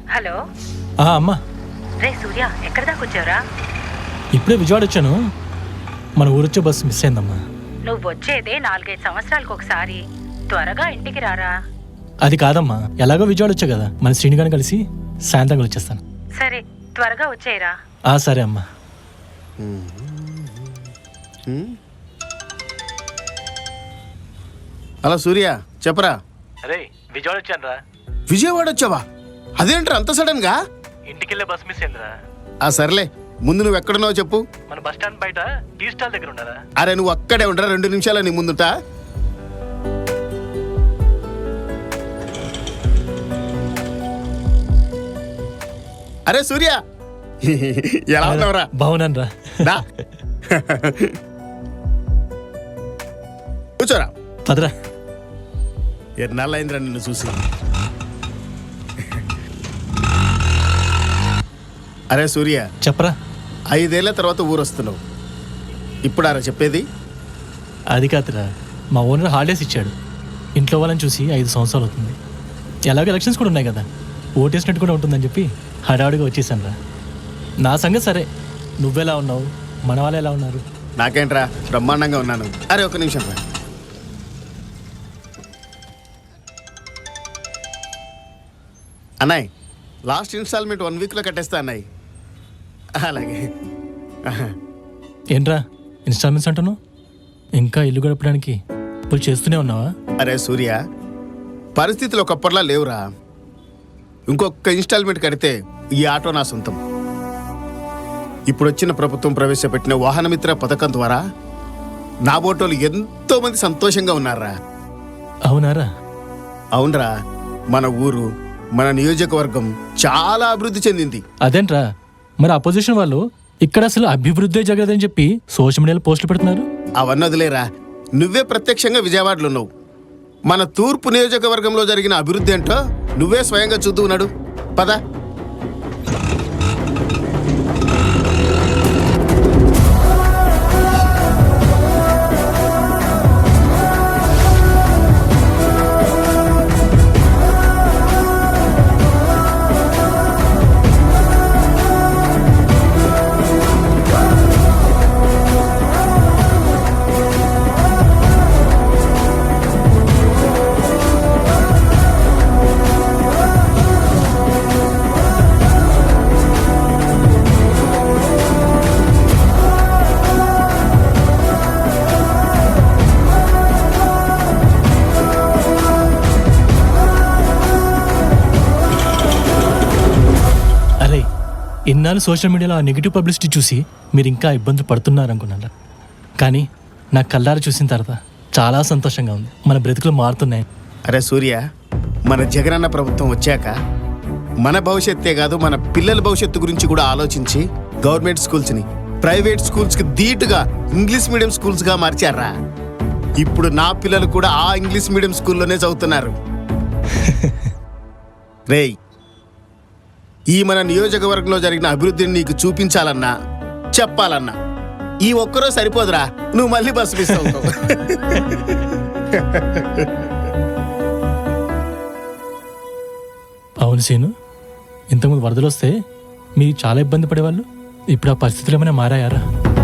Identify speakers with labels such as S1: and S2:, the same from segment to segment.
S1: Hello
S2: అమ్మా.
S1: రే సూర్య, ఎక్కడ దాకా వచ్చావురా?
S2: ఇప్పుడే విజయవాడ వచ్చాను. మన ఊరొచ్చే బస్సు మిస్ అయిందమ్మా.
S1: నువ్వు వచ్చేదే 4-5 సంవత్సరాలకు ఒకసారి. త్వరగా ఇంటికి రారా.
S2: అది కాదమ్మా, ఎలాగో విజయవాడ వచ్చా కదా, మన శ్రీనిగాని కలిసి సాయంత్రం వచ్చేస్తాను.
S1: సరే, త్వరగా వచ్చేయరా.
S2: సరే అమ్మా.
S3: హలో సూర్య, చెప్పరా.
S2: అరే విజయవాడ వచ్చాను రా.
S3: విజయవాడ వచ్చావా? అదేంట్రా అంత సడన్ గా?
S2: ఇంటికి వెళ్ళే బస్ మిస్ అయిందిరా.
S3: సర్లే, ముందు నువ్వు ఎక్కడున్నావో చెప్పు.
S2: మన బస్ స్టాండ్ బయట టీ స్టాల్ దగ్గర ఉన్నారా?
S3: అరే నువ్వు అక్కడే ఉండరా, 2 నిమిషాలు నీ ముందుట. అరే సూర్య, ఎలా ఉన్నావురా?
S2: బాగున్నాను రా.
S3: దా. కూర్చోరా.
S2: పదరా.
S3: ఎన్నాళ్ళైందిరా నిన్ను చూసి. అరే సూర్య,
S2: చెప్పరా.
S3: 5 ఏళ్ల తర్వాత ఊరొస్తున్నావు. ఇప్పుడారా చెప్పేది?
S2: అది కాదురా, మా ఓనర్ హాలిడేస్ ఇచ్చాడు. ఇంట్లో వాళ్ళని చూసి 5 సంవత్సరాలు అవుతుంది. ఎలాగో ఎలక్షన్స్ కూడా ఉన్నాయి కదా, ఓటేసినట్టు కూడా ఉంటుందని చెప్పి హడావుడిగా వచ్చేసాను రా. నా సంగతి సరే, నువ్వెలా ఉన్నావు, మన వాళ్ళు ఎలా ఉన్నారు?
S3: నాకేంట్రా, బ్రహ్మాండంగా ఉన్నాను. అరే 1 నిమిషం రా. అన్నాయ్, లాస్ట్ ఇన్స్టాల్మెంట్ 1 వీక్లో కట్టేస్తా అన్నాయ్. అలాగే.
S2: ఏంట్రా ఇన్స్టాల్మెంట్స్ అంటున్నావు? ఇంకా ఇల్లు గడపడానికి అప్పులు చేస్తూనే ఉన్నావా?
S3: అరే సూర్య, పరిస్థితులు ఒకప్పటిలా లేవురా. ఇంకొక ఇన్స్టాల్మెంట్ కడితే ఈ ఆటో నా సొంతం. ఇప్పుడు వచ్చిన ప్రభుత్వం ప్రవేశపెట్టిన వాహనమిత్ర పథకం ద్వారా నా బోటోలు ఎంతో మంది సంతోషంగా ఉన్నారా.
S2: అవునారా?
S3: అవునరా, మన ఊరు, మన నియోజకవర్గం చాలా అభివృద్ధి చెందింది.
S2: అదేంట్రా, మరి అపోజిషన్ వాళ్ళు ఇక్కడ అసలు అభివృద్ధి జరగదని చెప్పి సోషల్ మీడియాలో పోస్టులు పెడుతున్నారు.
S3: అవన్నీ వదిలేరా, నువ్వే ప్రత్యక్షంగా విజయవాడలో ఉన్నావు. మన తూర్పు నియోజకవర్గంలో జరిగిన అభివృద్ధి ఏంటో నువ్వే స్వయంగా చూస్తూ ఉన్నాడు. పద.
S2: ఇన్నాళ్ళు సోషల్ మీడియాలో ఆ నెగిటివ్ పబ్లిసిటీ చూసి మీరు ఇంకా ఇబ్బందులు పడుతున్నారనుకున్నారా, కానీ నా కళ్ళారా చూసిన తర్వాత చాలా సంతోషంగా ఉంది. మన బ్రతుకులు మారుతున్నాయి.
S3: అరే సూర్య, మన జగనన్న ప్రభుత్వం వచ్చాక మన భవిష్యత్తే కాదు, మన పిల్లల భవిష్యత్తు గురించి కూడా ఆలోచించి గవర్నమెంట్ స్కూల్స్ని ప్రైవేట్ స్కూల్స్కి ధీటుగా ఇంగ్లీష్ మీడియం స్కూల్స్గా మార్చారా. ఇప్పుడు నా పిల్లలు కూడా ఆ ఇంగ్లీష్ మీడియం స్కూల్లోనే చదువుతున్నారు. రేయ్, ఈ మన నియోజకవర్గంలో జరిగిన అభివృద్ధిని నీకు చూపించాలన్నా చెప్పాలన్నా ఈ ఒక్కరో సరిపోదురా, నువ్వు మళ్ళీ బస్సు మిస్ అవుతావు.
S2: అవును సీను, ఇంతకుముందు వరదలు వస్తే మీరు చాలా ఇబ్బంది పడేవాళ్ళు. ఇప్పుడు ఆ పరిస్థితులు ఏమైనా మారాయారా?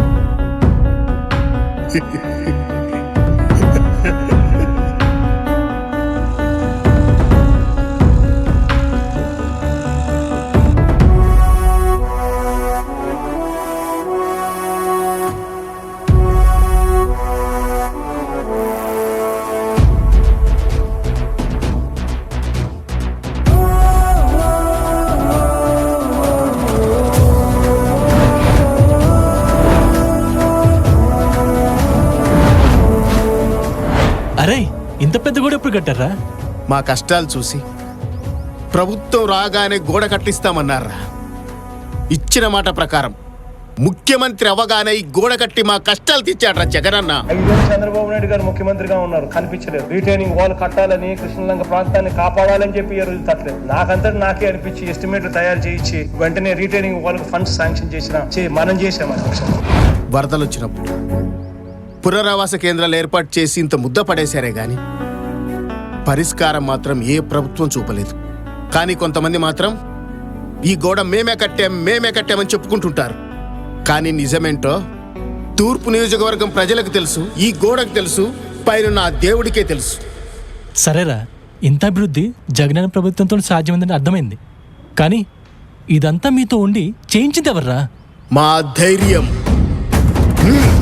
S2: అరే, ఇంత పెద్ద గోడ ఎప్పుడు కట్టారా?
S3: మా కష్టాలు చూసి ప్రభుత్వం రాగానే గోడ కట్టిస్తామన్నారా. ఇచ్చిన మాట ప్రకారం ముఖ్యమంత్రి అవగానే ఈ గోడ కట్టి మా కష్టాలు తీర్చాడ్రా జగనన్న.
S4: చంద్రబాబు నాయుడు గారు ముఖ్యమంత్రిగా ఉన్నారు, కనిపించలేదు. రిటైనింగ్ వాల్ కట్టాలని, కృష్ణలంక ప్రాంతాన్ని కాపాడాలని చెప్పి ఈ రోజు తట్టలేదు. నాకే అనిపించి ఎస్టిమేట్లు తయారు చేయించి వెంటనే రిటైనింగ్ వాల్ ఫండ్స్ శాంక్షన్ మనం చేసాం.
S3: వరదలు వచ్చినప్పుడు పునరావాస కేంద్రాలు ఏర్పాటు చేసి ఇంత ముద్ద పడేశారే గాని పరిష్కారం మాత్రం ఏ ప్రభుత్వం చూపలేదు. కానీ కొంతమంది మాత్రం ఈ గోడ మేమే కట్టామని చెప్పుకుంటుంటారు. కానీ నిజమేంటో తూర్పు నియోజకవర్గం ప్రజలకు తెలుసు, ఈ గోడకు తెలుసు, పైన నా దేవుడికే తెలుసు.
S2: సరేరా, ఇంత అభివృద్ధి జగనన్న ప్రభుత్వంతో సాధ్యమైందని అర్థమైంది. కానీ ఇదంతా మీతో ఉండి చేయించింది ఎవర్రా?
S3: మా ధైర్యం.